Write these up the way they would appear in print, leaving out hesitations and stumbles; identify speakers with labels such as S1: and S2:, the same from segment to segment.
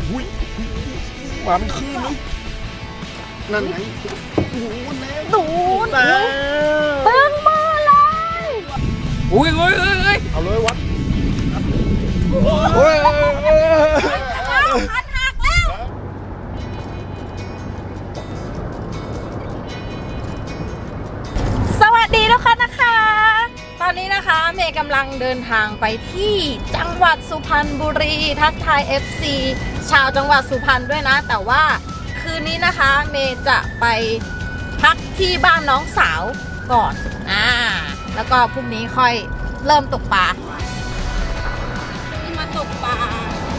S1: อุ้ยมาเป็นคลื่นเลยนั่นไงโอ้โห
S2: ดูด
S1: แล้ว
S2: เบิ้งมือเลย
S3: อุ้ย
S1: เอาเลยวัดโอ้ย
S2: คันหักแล้วสวัสดีทุกคนนะคะ ตอนนี้นะคะเมย์กำลังเดินทางไปที่จังหวัดสุพรรณบุรีทักทาย FC ชาวจังหวัดสุพรรณด้วยนะแต่ว่าคืนนี้นะคะเมย์จะไปพักที่บ้านน้องสาวก่อนแล้วก็พรุ่งนี้ค่อยเริ่มตกปลานี่มาตกปลา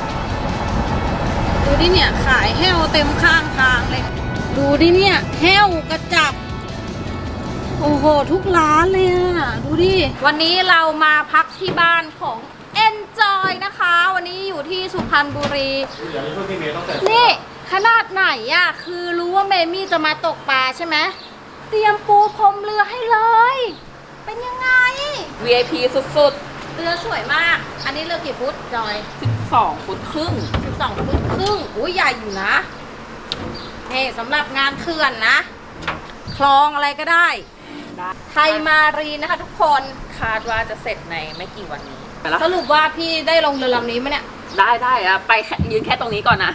S2: ดูดิเนี่ยขายแห้วเต็มข้างทางเลยดูดิเนี่ยแห้วกระจับโอ้โหทุกร้านเลยอ่ะดูดิวันนี้เรามาพักที่บ้านของ Enjoy นะคะวันนี้อยู่ที่สุพรรณบุรีนี่ขนาดไหนอ่ะคือรู้ว่าเมมี่จะมาตกปลาใช่ไหมเตรียมปูพรมเรือให้เลยเป็นยังไง
S3: VIP สุด
S2: เรือสวยมากอันนี้เรือกี่ฟุตจอย
S3: 12 ฟุตครึ่ง
S2: 12 ฟุตครึ่งอุ้ยใหญ่อยู่นะนี่สำหรับงานเขื่อนนะคลองอะไรก็ได้ไทยมารีนะคะทุกคน
S3: คาดว่าจะเสร็จในไม่กี่วันนี้
S2: สรุปว่าพี่ได้ลงเรือลำนี้ไหมเนี่ย
S3: ได้อะไปยืนแค่ตรงนี้ก่อนนะ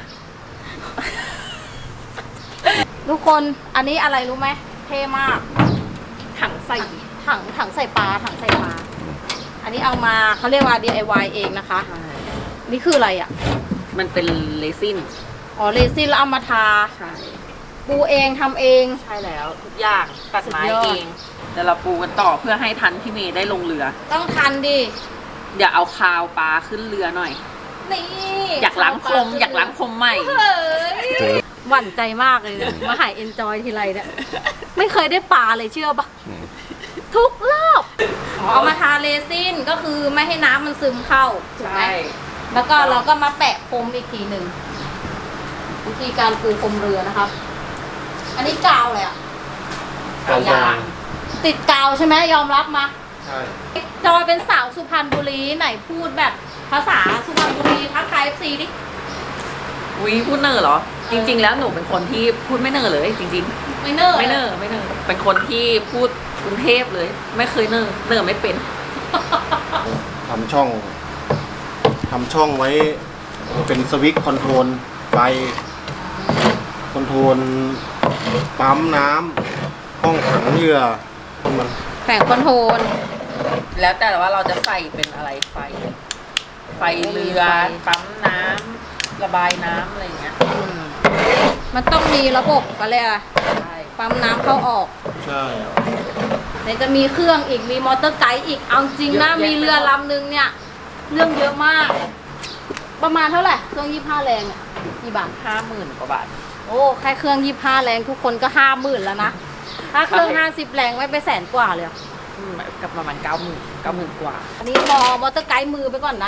S2: ทุกคนอันนี้อะไรรู้ไหมเท่มาก
S3: ถังใส่
S2: ปลาอันนี้เอามาเขาเรียกว่า DIY เองนะคะนี่คืออะไรอ่ะ
S3: มันเป็นเรซิน
S2: เรซินแล้วเอามาทา
S3: ใช่
S2: ปูเองทำเอง
S3: ใช่แล้วทุกอย่างตัดไม้เองเดี๋ยวเราปูกันต่อเพื่อให้ทันพี่เมย์ได้ลงเรือ
S2: ต้องทันดิ
S3: เดี๋ยวเอาคาวปลาขึ้นเรือหน่อย
S2: นี่
S3: อยากล้างพรมใหม่
S2: หวั่นใจมากเลยมาหาย Enjoy ทีไรเนี่ยไม่เคยได้ปลาเลยเชื่อปะทุกรอบเอามาทาเรซินก็คือไม่ให้น้ำมันซึมเข้าถูกไหมแล้วก็เราก็มาแปะพรมอีกทีหนึ่งวิธีการปูพรมเรือนะครับอันนี้กาวเลยอ่ะ
S1: กาวยาง
S2: ติดกาวใช่ไหมยอมรับมา
S1: ใช่
S2: จอยเป็นสาวสุพรรณบุรีไหนพูดแบบภาษาสุพรรณบุรีทักทาย FC ดิ
S3: พูดเนอเหรอจริงๆแล้วหนูเป็นคนที่พูดไม่เนอเลยจริง
S2: ๆไม่เนอ
S3: เป็นคนที่พูดกรุงเทพเลยไม่เคยเนอไม่เป็น
S1: ทำช่องไว้เป็นสวิตช์คอนโทรลไฟคอนโทรลปั๊มน้ำห้องขังเรือมัน
S2: แผงคอนโทรล
S3: แล้วแต่ว่าเราจะใส่เป็นอะไรไฟเรือปั๊มน้ำระบายน้ำอะไรอย่างเงี้ย
S2: มันต้องมีระบบก็เลยอ่ะปั๊มน้ำเข้าออก
S1: ใช่
S2: ไหนจะมีเครื่องอีกมีมอเตอร์ไกด์อีกเอาจริงนะมีเรือลำนึงเนี่ยเรื่องเยอะมากประมาณเท่าไหร่เครื่อง25 แรงอ่ะกี่บาท
S3: 50,000 กว่าบาท
S2: โอ้แค่เครื่อง25 แรงทุกคนก็50,000แล้วนะถ้าเครื่อง50 แรงไม่ไปแสนกว่าเลย
S3: กับประมาณ90,000 กว่า
S2: อันนี้มอเตอร์ไกด์มือไปก่อนนะ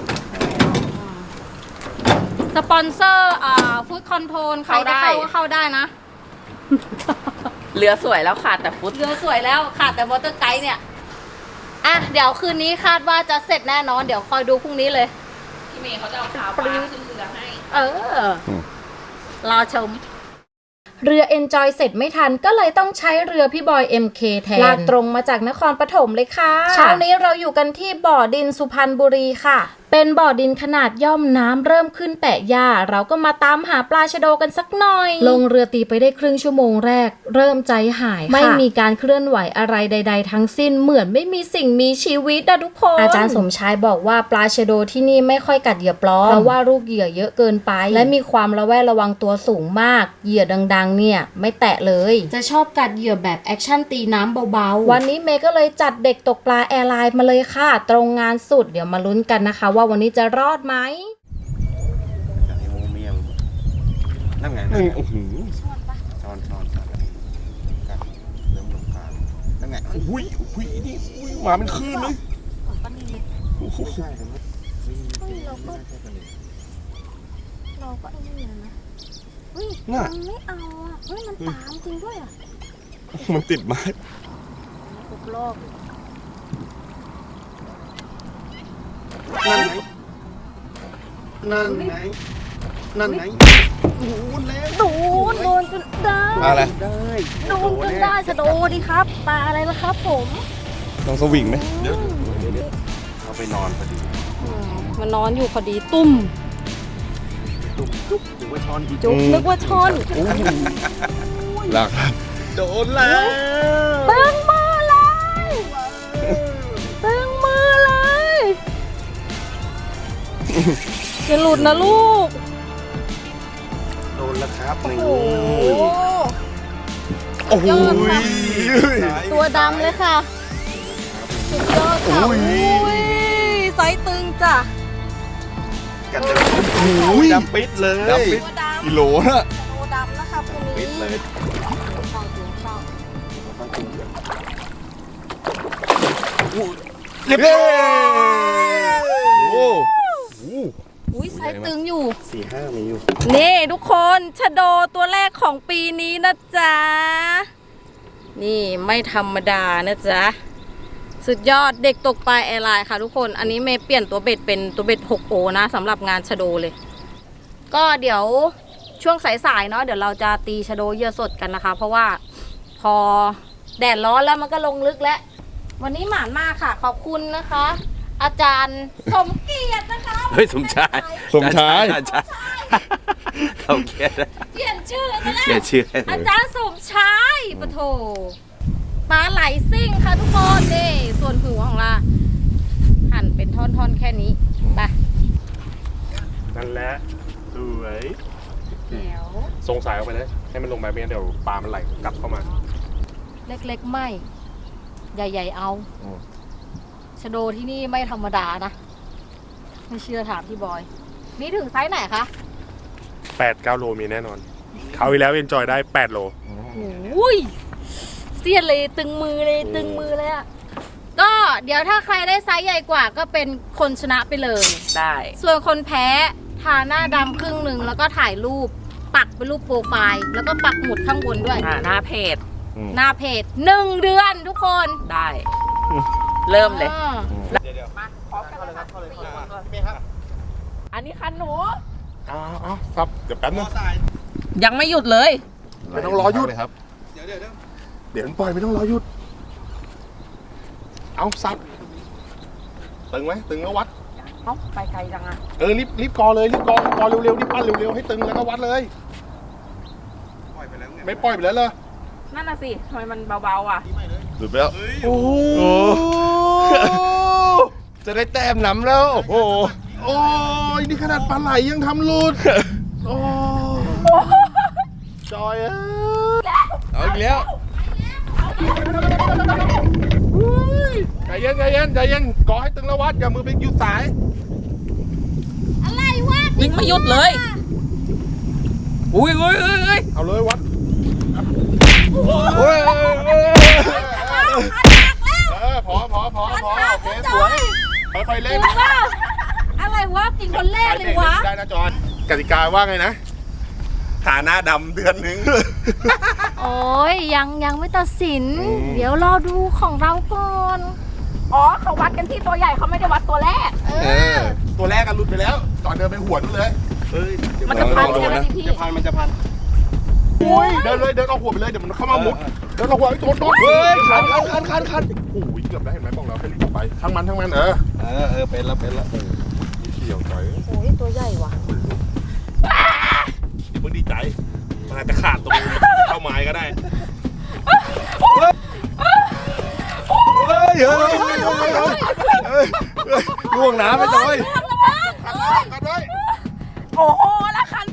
S2: สปอนเซอร์ฟู้ดคอนโทรลใครจะเข้าได้นะ
S3: เรือสวยแล้วขาดแต่ฟุต
S2: เรือสวยแล้วขาดแต่มอเตอร์ไกด์เนี่ยเดี๋ยวคืนนี้คาดว่าจะเสร็จแน่นอนเดี๋ยวคอยดูพรุ่งนี้เลย
S3: พี่เมย์เขาจะเอาขาวปลาขึ้นเรือให้
S2: รอชมเรือ Enjoy เสร็จไม่ทันก็เลยต้องใช้เรือพี่บอย MK แทนลากตรงมาจากนครปฐมเลยค่ะเช้านี้เราอยู่กันที่บ่อดินสุพรรณบุรีค่ะเป็นบ่อดินขนาดย่อมน้ำเริ่มขึ้นแปะหญ้าเราก็มาตามหาปลาชะโดกันสักหน่อยลงเรือตีไปได้ครึ่งชั่วโมงแรกเริ่มใจหายไม่มีการเคลื่อนไหวอะไรใดๆทั้งสิ้นเหมือนไม่มีสิ่งมีชีวิตนะทุกคนอาจารย์สมชายบอกว่าปลาชะโดที่นี่ไม่ค่อยกัดเหยื่อปลอมเพราะว่าลูกเหยื่อเยอะเกินไปและมีความระแวดระวังตัวสูงมากเหยื่อดังๆเนี่ยไม่แตะเลยจะชอบกัดเหยื่อแบบแอคชั่นตีน้ำเบาๆวันนี้เมย์ก็เลยจัดเด็กตกปลาแอร์ไลน์มาเลยค่ะตรงงานสุดเดี๋ยวมาลุ้นกันนะคะว่าวันนี้จะรอดไหม
S1: นั่นไงโอ้โหช้อนกัดเริ่มลงกลางนั่นไงอุ้ยนี่มาเป็นคลื่นเลยโอ้โห
S2: เราก็ไอ้นี่นะมันไม่เอามันตามจริงด้วย
S1: มันติดไม้
S2: ทุกรอบ
S1: นั่นไงนั่นไงโอ้โหแล้ว
S2: โดนจนได้
S4: อะไร
S1: ได้
S2: โดนจนได้ชะโดดีครับปลาอะไรล่ะครับผม
S4: ลองสวิงไหม
S1: เดี๋ยวเอาไปนอนพอดี
S2: มันนอนอยู่พอดีตุ้ม
S1: จุ๊บจุ๊บหรือว่าช้อนอีก
S2: จุกนึกว่าชน
S4: หลัก
S1: โดนแล้ว
S2: ตึงมือเลยตึงมือเลยจะหลุดนะลูก
S1: โดนแล้วครับนี่
S2: โอ้โห
S4: โอ้โห
S2: ยอดค่ะ ตัวดำเลยค่ะสุดยอดค่ะอุ้ยไซส์ตึงจ้ะ
S1: กัดเลยโอ้ยดำปิดเลย
S4: ดำปิด
S2: ตัวดำ
S4: กิโลนะ
S2: ตัวดำนะคะตัวนี้
S1: ปิดเลย
S2: เข้าตัวเข้า
S4: เรียบร้อยโอ้โห
S2: อุ้ยไซส์ตึงอยู่
S1: 4-5มีอยู่
S2: นี่ทุกคนชะโดตัวแรกของปีนี้นะจ๊ะ นี่ไม่ธรรมดานะจ๊ะ สุดยอดเด็กตกปลาแอร์ไลน์ค่ะทุกคน อันนี้เมย์เปลี่ยนตัวเบ็ดเป็นตัวเบ็ด 6 โอนะสำหรับงานชะโดเลย ก็เดี๋ยวช่วงสายๆเนาะเดี๋ยวเราจะตีชะโดเหยื่อสดกันนะคะ เพราะว่าพอแดดร้อนแล้วมันก็ลงลึกแล้ว วันนี้หมานมากค่ะ ขอบคุณนะคะ อาจารย์สมเกียรตินะคะ
S5: เฮ้ยสมชาย
S4: สมชาย
S5: เขาเขียน
S2: เปลี่ยนชื่อซะแล้ว
S5: เขียนชื่อให้เล
S2: อาย จารย์สมชายปะโถปลาไหลซิ่งค่ะทุกคนนี่ส่วนหัวของเราหั่นเป็นท่อนๆแค่นี้ไป
S6: นั่นแหละสวย
S2: เดี๋ยว
S6: ทรงสายออกไปเลย ให้มันลงไปไม่งั้นเดี๋ยวปลามันไหลกลับเข้ามา
S2: เล็กๆไม่ ใหญ่ๆเอาชะโดที่นี่ไม่ธรรมดานะ ไม่เชื่อถามพี่บอย นี่ถึงไซส์ไหนคะ
S6: 8-9 โลมีแน่นอนเขาวที่แล้วเอนจอยได้ 8 โล
S2: โอ้ยเสียดเลยตึงมือเลยตึงมือเลยอะก็เดี๋ยวถ้าใครได้ไซส์ใหญ่กว่าก็เป็นคนชนะไปเลย
S3: ได้
S2: ส่วนคนแพ้ทาหน้าดำครึ่งหนึ่งแล้วก็ถ่ายรูปปักเป็นรูปโปรไฟล์ แล้วก็ปักหมุดข้างบนด้วย
S3: หน้าเพจ
S2: หน้าเพจ1 เดือนทุกคน
S3: ได้ เริ่มเลย
S2: อ่า
S3: มาพร้อมกันเลยครับ
S1: ครับ
S3: อันนี้คันหนู
S6: เอาครับ เดี๋ยวแป๊บนึง
S3: ยังไม่หยุดเลย
S6: ไม่ต้องรอหยุด
S4: เลยครับ
S1: เดี๋ยว
S6: เดี๋ยวมันปล่อยไม่ต้องรอหยุด เอาซับตึงไหมตึงแล้ววัด
S3: เอ้าไปไกลจังอะ
S6: รีบกอเลยรีบกอเร็วๆรีบปั้นเร็วๆให้ตึงแล้วก็วัดเลย
S1: ปล่อยไปแล้วไง
S6: ไม่ปล่อยไปแล้วเลย
S3: นั่นน่ะสิทำไมมันเบาๆอ่ะ
S4: หลุดไปแล้ว
S6: โอ้โห
S4: จะได้แต้มนำแล้ว โอ้โห
S6: โอ้ยนี่ขนาดปลาไหลยังทำหลุด โอ้จอยเอ้ย
S4: เอาอีกแล้ว
S6: ใจเย็นใจเย็นใจเย็นกอให้ตึงแล้ววัดอย่ามือไปหยุดสาย
S2: อะไรวะ
S3: วิ่งไม่หยุดเลย อุ้ย
S6: เอาเลยวัด
S4: โอ้ย
S6: พอโอเคสวยค่อยๆเล่น
S2: อะไรวะกินคนแรกเลยวะ
S6: ได้นะจอนกติกาว่าไงนะฐานะดำเดือนหนึ่ง
S2: โอ้ยยังไม่ตัดสิน เดี๋ยวรอดูของเราก่อน
S3: อ๋อเขาวัดกันที่ตัวใหญ่เขาไม่ได้วัดตัวแรก
S6: ตัวแรกกันหลุดไปแล้วตอนเดินไปหวนเลย
S3: มันจะพันใช่ไหมพี่
S1: จะพันมันจะพัน
S6: อุ้ยเดินเลยเดินเอาหัวไปเลยเดี๋ยวมันเข้ามามุดเดินเอาหัวไอ้โดน
S4: เฮ้ยคัน
S6: โอ้ยเกือบได้เห็นไหมบอกแล้วให้รีบออกไปทั้งมัน
S1: เ
S6: เอ
S1: ออเป็นแล้ว
S6: เขี่ยวใจ
S2: โอ้ยตัวใหญ่ว่ะ
S6: อย่าเพิ่งดีใจมันอาจจะขาดตรงเข้าไม้ก็ได้
S4: เฮ้ยล่วงน้ำไปจอย
S6: กันไว้
S3: โอ้โหละคัน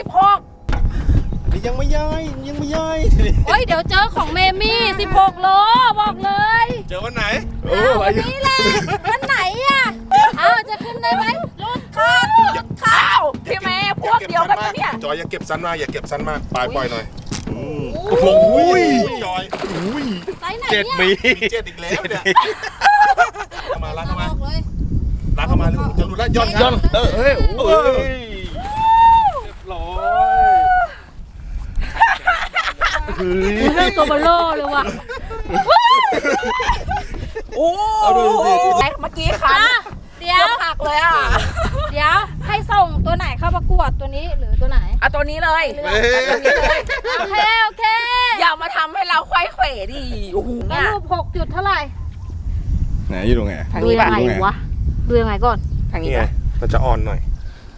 S3: 86
S1: ยังไม่ย้าย
S2: โอ้ยเดี๋ยวเจอของเมมี่16 โลบอกเลย
S6: เจอวันไหน
S2: วันนี้แหละวันไหนอ่ะเอาจะขึ้นได้ไหมรุ่นคาด
S3: ข้าวพี่แม่พวกเดียวกันปะเนี่ย
S6: จอยอย่าเก็บสั้นมากอย่าเก็บสั้นมากปล่อยหน่อย
S2: โอ้โห
S6: จอย
S2: ไซส์ไหน
S4: 7
S2: เนี่ย
S4: มี
S6: เจ็ดอีกแล้วเนี่ยเข้ามาลากเข้ามา
S2: บอกเลย
S6: ลากเข้ามาจะหลุดแล้วย่อน
S4: ย่อนเฮ้ยโอ้ย
S6: ร้อย
S2: เรื่องตัวเบลโล่เลยว่ะ
S3: โอ้
S4: เอาดูสิ
S3: เมื่อกี้คัน
S2: เดี๋ยว
S3: หักเลยอ่ะ
S2: เดี๋ยวให้ให้ส่งตัวไหนเข้าประกวดตัวนี้หรือตัวไหน
S3: เอาตัวนี้เลย
S6: เฮ้ย
S3: เอาตัวนี้เลย
S2: โอเคโอเค
S3: อย่ามาทำให้เราควายเขวดิโอ้โห
S2: ส
S3: เนี่ย
S2: รุป6 จุดเท่าไหร่
S4: ไหนอยู่ตรงไหน
S3: ทาง
S2: ดู
S3: นี้
S2: ยั
S3: ป่ะ
S2: งไงวะดูยังไงก่อน
S3: ทางนี้
S6: นี่ไง
S3: ป่ะ
S6: มันจะอ่อนหน่อย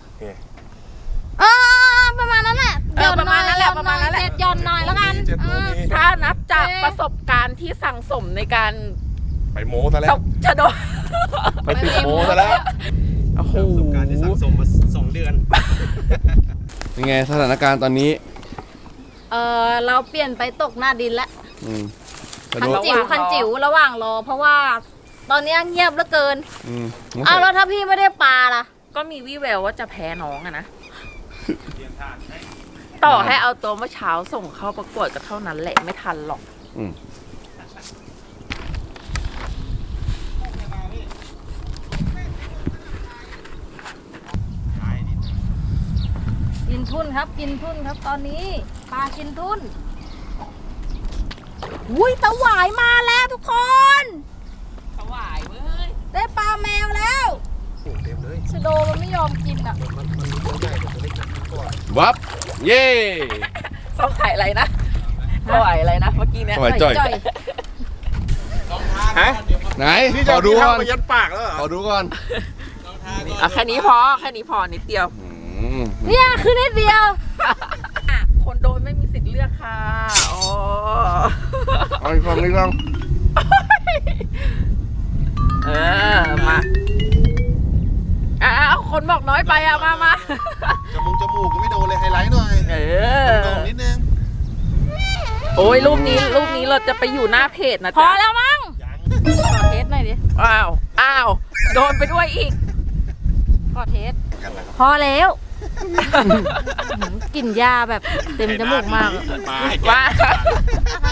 S2: ประมาณนั้นแหละ
S3: ประมาณนั้นแหละประมาณนั้นแหละ
S2: หย่อนหน่อยแล้วกัน
S6: เจ็ดโมงนี้
S3: ถ้านับจากประสบการณ์ที่สั่งสมในการ
S6: ไปโม้ซะแล้
S3: ต
S6: ว
S3: กชะโด
S6: ไปติดโม้ซะแล้ว
S3: โอ้โห
S1: ประสบการณ์ที่สั่งสมมา2 เดือน
S4: เป็นไงสถานการณ์ตอนนี้
S2: เราเปลี่ยนไปตกหน้าดินแล้ว
S4: อืมกระ
S2: คั
S4: โด
S2: น
S4: ด
S2: จิ๋วคันจิ๋วระหว่างรอเพราะว่าตอนนี้เงียบเหลือเกิน
S4: อืม
S2: อ้าวแล้วถ้าพี่ไม่ได้ปลาล่ะ
S3: ก็มีวี่แววว่าจะแพ้น้องอะนะ ต่อให้เอาตัวเมื่อเช้าส่งเข้าประกวดก็เท่านั้นแหละไม่ทันหรอก
S4: อืม
S2: กินทุ่นครับกินทุ่นครับตอนนี้ปลากินทุ่นอุ้ยตะหวายมาแล้วทุกคน
S3: สวายเว้ย
S2: ได้ปลาแมวแล้ว
S1: เต็มเลย
S2: ชะโดมันไม่ยอมกินอ่ะ
S1: มันมีตัวใหญ่แต่ตัวเล็กก่อน
S4: วับ เย่
S3: สวายอะไรนะสวายอะไรนะเมื่อกี้เนี่ย
S4: สวายจ่อย
S2: จ่อย
S6: ฮะ
S4: ไหน
S6: นี่
S4: ข
S6: จะ
S4: อดู
S6: ดู
S4: ก่อน
S6: ไปยัดปากแล้วเหรอ
S4: ขอดูก่อน
S3: เอาแค่นี้พอแค่นี้พอนิดเดียว
S4: อืม
S2: เนี่ยคือนิดเดียว
S3: คนโดนไม่มีสิทธิ์เลือกค่ะอ๋อ
S4: เอาอีกลองอีกลอง
S3: เออมาเอาคนบอกน้อยไปอะมา
S1: จมูกก็ไม่โดนเลยไฮไลท์หน่อย
S3: เออ
S1: โดนนิดนึง
S3: โอ้ยรูปนี้เราจะไปอยู่หน้าเพจนะ
S2: พอ
S3: จ๊ะ
S2: แล้วมั้งขอเทสหน่อยดิ
S3: อ้าวโดนไปด้วยอีก
S2: ขอเทสพอแล้วกลิ่นยาแบบเต็มจมูกมาก
S6: มาให้แก
S3: ว่า